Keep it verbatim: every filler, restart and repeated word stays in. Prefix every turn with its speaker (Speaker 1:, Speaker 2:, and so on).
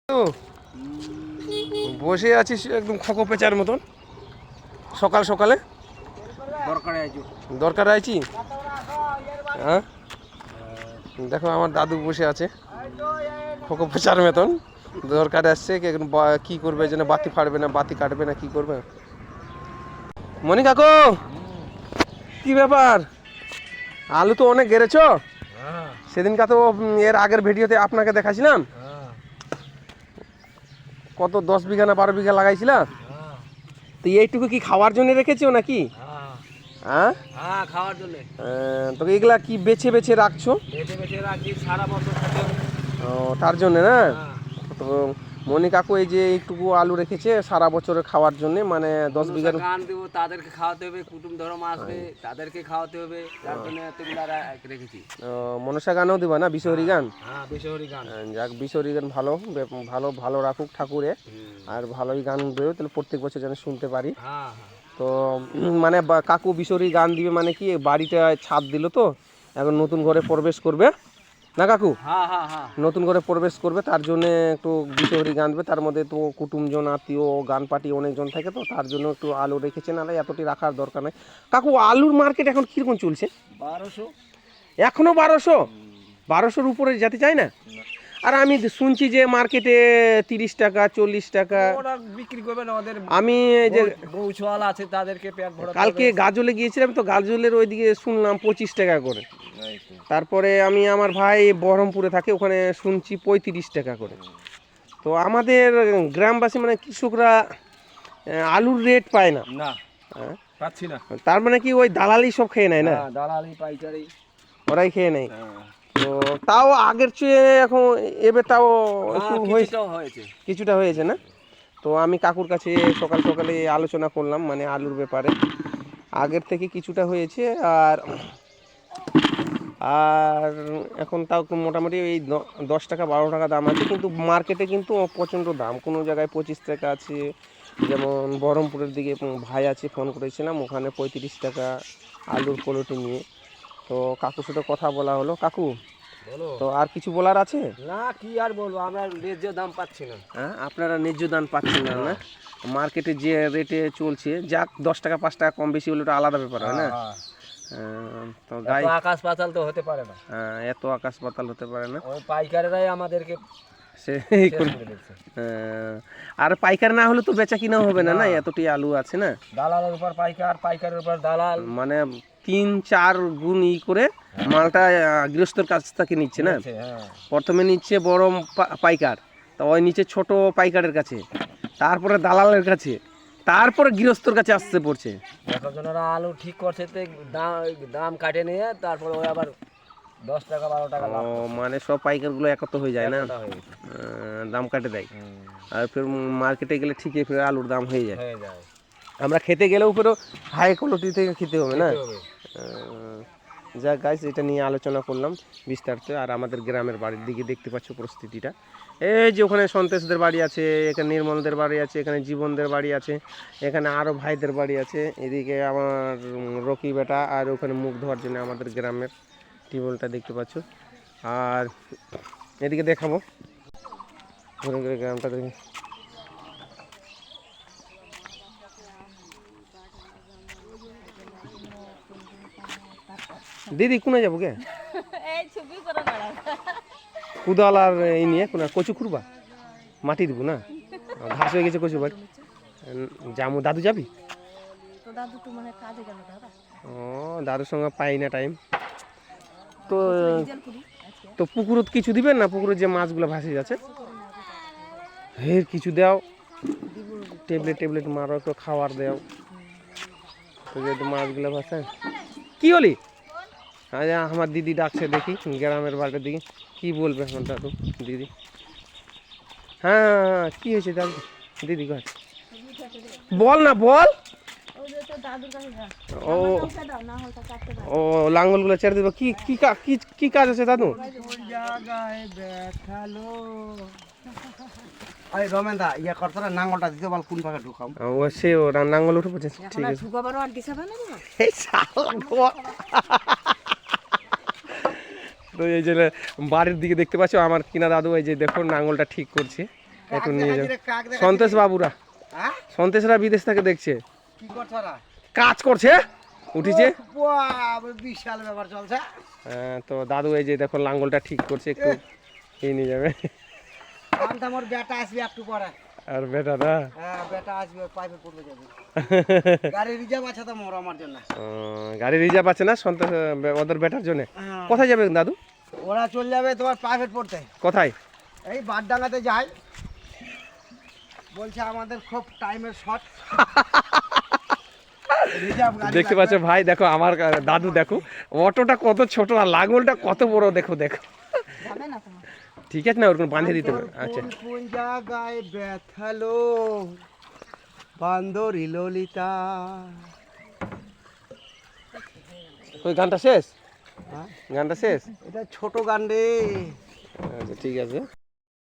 Speaker 1: তো বসে আছিস একদম খোকো পেঁচার মতন সকাল সকালে
Speaker 2: দরকারে আইছো
Speaker 1: দরকার আইছি। হ্যাঁ দেখো আমার দাদু বসে আছে খোকো পেঁচার মতন দরকারে আসছে। কি করবে যেন বাতি ফাড়বে না বাতি কাটবে না কি করবে। মনি কাকু কি ব্যাপার, আলু তো অনেক গেড়েছ। সেদিনকা তো এর আগের ভিডিওতে আপনাকে দেখাছিলাম কত দশ বিঘা না বারো বিঘা লাগাইছিলাম। তো এইটুকু কি খাওয়ার জন্য রেখেছো নাকি? হ্যাঁ
Speaker 2: হ্যাঁ খাওয়ার জন্য।
Speaker 1: তো এগুলা কি বেছে বেছে রাখছো?
Speaker 2: বেছে বেছে রাখি সারা বছর খেতে হবে।
Speaker 1: ও তার জন্য না। তো মনি কাকু এই যে এইটুকু আলু রেখেছে সারা বছরের খাওয়ার জন্য, মানে দশ বিঘা
Speaker 2: গান দেবো, তাদেরকে খাওয়াতে হবে, কুটুম ধর্ম আসবে তাদেরকে খাওয়াতে হবে, তার জন্য এতগুলা রেখেছি।
Speaker 1: মনসা গানও দিবা না, বিশহরি গান?
Speaker 2: হ্যাঁ বিশহরি গান।
Speaker 1: যাক বিশহরি গান ভালো ভালো ভালো রাখুক ঠাকুরে, আর ভালোই গান দেবে তাহলে প্রত্যেক বছর যেন শুনতে পারি।
Speaker 2: হ্যাঁ
Speaker 1: তো মানে কাকু বিশহরি গান দিবে মানে কি বাড়িটা ছাদ দিল তো এখন নতুন ঘরে প্রবেশ করবে না কাকু?
Speaker 2: হ্যাঁ হ্যাঁ হ্যাঁ
Speaker 1: নতুন করে প্রবেশ করবে তার জন্য একটু বিশহরি গান দেবে। তার মধ্যে তো কুটুমজন আত্মীয় গান পার্টি অনেকজন থাকে, তো তার জন্য একটু আলু রেখেছে, নাহলে এতটি রাখার দরকার নেই। কাকু আলুর মার্কেট এখন কীরকম চলছে?
Speaker 2: বারোশো
Speaker 1: এখনও বারোশো? বারোশোর উপরে যেতে চাই না। আর আমি শুনছি যে মার্কেটে তিরিশ টাকা চল্লিশ টাকা
Speaker 2: ওরা বিক্রি করবে না। ওদের
Speaker 1: আমি এই যে
Speaker 2: বউছোয়াল আছে তাদেরকে পেট ভরা।
Speaker 1: কালকে গাজলে গিয়েছিলাম তো গাজলের ওইদিকে শুনলাম পঁচিশ টাকা করে। তারপরে আমি আমার ভাই বহরমপুরে থাকে ওখানে শুনছি পঁয়ত্রিশ টাকা করে। তো আমাদের গ্রামবাসী মানে কৃষকরা আলুর রেট পায় না।
Speaker 2: না পাচ্ছি না।
Speaker 1: তার মানে কি ওই দালালি সব খেয়ে নেয় না?
Speaker 2: দালালি পাইকারি
Speaker 1: ওরাই খেয়ে নেয়। তো তাও আগের চেয়ে এখন এবার তাও একটু
Speaker 2: হয়েছে,
Speaker 1: কিছুটা হয়েছে না? তো আমি কাকুর কাছে সকাল সকালে আলোচনা করলাম মানে আলুর ব্যাপারে, আগের থেকে কিছুটা হয়েছে। আর আর এখন তাও মোটামুটি এই দশ টাকা বারো টাকা দাম আছে, কিন্তু মার্কেটে কিন্তু প্রচণ্ড দাম। কোনো জায়গায় পঁচিশ টাকা আছে, যেমন বহরমপুরের দিকে ভাই আছে ফোন করেছিলাম ওখানে পঁয়ত্রিশ টাকা আলুর কোয়ালিটি নিয়ে। তো কাকুর সাথে কথা বলা হলো। কাকু তো আর কিছু বলার আছে?
Speaker 2: না কি আর বলবো, আমরা ন্যায্য দাম পাচ্ছি না।
Speaker 1: হ্যাঁ আপনারা ন্যায্য দাম পাচ্ছেন না না? মার্কেটে যে রেটে চলছে যাক দশ টাকা পাঁচ টাকা কম বেশি হলে ওটা আলাদা ব্যাপার হয় না। তো গাই
Speaker 2: আকাশ পাতাল তো হতে পারে না।
Speaker 1: হ্যাঁ এত আকাশ পাতাল হতে পারে না।
Speaker 2: ওই পাইকারেরাই আমাদেরকে
Speaker 1: সে আর পাইকার না হলে তো বেচা কিনাও হবে না না, এতটি আলু আছে না।
Speaker 2: দালালের উপর পাইকার, পাইকারের উপর দালাল,
Speaker 1: মানে তিন চার গুণ ই করে মালটা গৃহস্থর কাছ থেকে নিচ্ছে না। প্রথমে নিচ্ছে বড় পাইকার, তো ওই নিচে ছোট পাইকারের কাছে, তারপরে দালালের কাছে, তারপরে গৃহস্থর কাছে আসতে পড়ছে।
Speaker 2: একজনেরা আলু ঠিক করছে দাম কাটে নিয়ে তারপরে ওই আবার দশ টাকা বারো টাকা।
Speaker 1: ও মানে সব পাইকারগুলো একত্র হয়ে যায় না, দাম কাটে দেয়। আর ফের মার্কেটে গেলে ঠিকই ফের আলুর দাম হয়ে যায়। আমরা খেতে গেলেও ফেরও হাই কোয়ালিটি থেকে খেতে হবে না। যা গাইস এটা নিয়ে আলোচনা করলাম বিস্তারিত। আর আমাদের গ্রামের বাড়ির দিকে দেখতে পাচ্ছ পরিস্থিতিটা, এই যে ওখানে সন্তোষদের বাড়ি আছে, এখানে নির্মলদের বাড়ি আছে, এখানে জীবনদের বাড়ি আছে, এখানে আরও ভাইদের বাড়ি আছে, এদিকে আমার রকি বেটা, আর ওখানে মুখ ধোয়ার জন্য আমাদের গ্রামের টিউবওয়েলটা দেখতে পাচ্ছ। আর এদিকে দেখাবো ঘুরে ঘুরে গ্রামটা দেখি। দিদি কোনে যাবো কে কুদাল আর এই নিয়ে কোন কচু খুঁড়বা মাটি দিব না, ঘাস হয়ে গেছে কচু বাড়ি যাবো। দাদু যাবি? ও দাদুর সঙ্গে পাই না টাইম। তো তো পুকুরত কিছু দিবেন না? পুকুরের যে মাছগুলো ভাসে যাচ্ছে হের কিছু দাও, ট্যাবলেট ট্যাবলেট মারো, একটু খাবার দাও তো যেহেতু মাছগুলো ভাসে। কি হলি? আচ্ছা আমার দিদি ডাকছে দেখি গ্রামের বাড়ির দিকে, কি বলবে আমার দাদু দিদি? হ্যাঁ হ্যাঁ হ্যাঁ কী হয়েছে দাদু দিদি কাছে বল না বল। ও ও লাঙ্গলগুলো ছেড়ে দেবো। কি কি কি কাজ আছে দাদু?
Speaker 2: রমেনদা ইয়া করতো না, নাঙ্গলটা দিতে বল কোন ভাগে ঢুকাম।
Speaker 1: ও সে ও নাঙ্গল উঠে পড়ছে, ঠিক আছে। তো এই যে বাড়ির দিকে দেখতে পাচ্ছ আমার কিনা দাদু, এই যে দেখো নাঙ্গলটা ঠিক করছে। একটু নিয়ে যাও সন্তোষ বাবুরা সন্তোষরা বিদেশ থেকে দেখছে
Speaker 3: কি করছে ওরা?
Speaker 1: কাজ করছে উঠেছে
Speaker 3: বাবা, বিশাল ব্যাপার চলছে।
Speaker 1: হ্যাঁ, তো দাদু এই যে দেখো লাঙ্গলটা ঠিক করছে একটু এই নিয়ে যাবে
Speaker 3: আমটা আমার বেটা আসবে একটু পরে।
Speaker 1: আর বেটাটা
Speaker 3: হ্যাঁ, বেটা আসবে, পাইপে পড়বে যাবে। গাড়ি রিজার্ভ আছে তো মোর আমার জন্য।
Speaker 1: আহ, গাড়ি রিজার্ভ আছে না সন্তোষ ওদের বেটার জন্য
Speaker 3: হ্যাঁ।
Speaker 1: কোথায় যাবে দাদু
Speaker 3: ওরা চলে যাবে তোমার প্রাইভেট পড়তে,
Speaker 1: কোথায়
Speaker 3: এই বারডাঙ্গাতে যাই। বলছে আমাদের খুব টাইমের শর্ট।
Speaker 1: দেখতে পাচ্ছ ভাই দেখো আমার দাদু দেখো অটোটা কত ছোট আর লাঙ্গলটা কত বড় দেখো দেখো ঠিক আছে না ওরকম বাঁধে দিতে হবে আচ্ছা
Speaker 3: কোন জায়গায় ব্যথালো বান্দরি ললিতা।
Speaker 1: ওই গানটা শেষ
Speaker 3: হ্যাঁ,
Speaker 1: গানটা শেষ
Speaker 3: এটা ছোট গান রে।
Speaker 1: আচ্ছা ঠিক আছে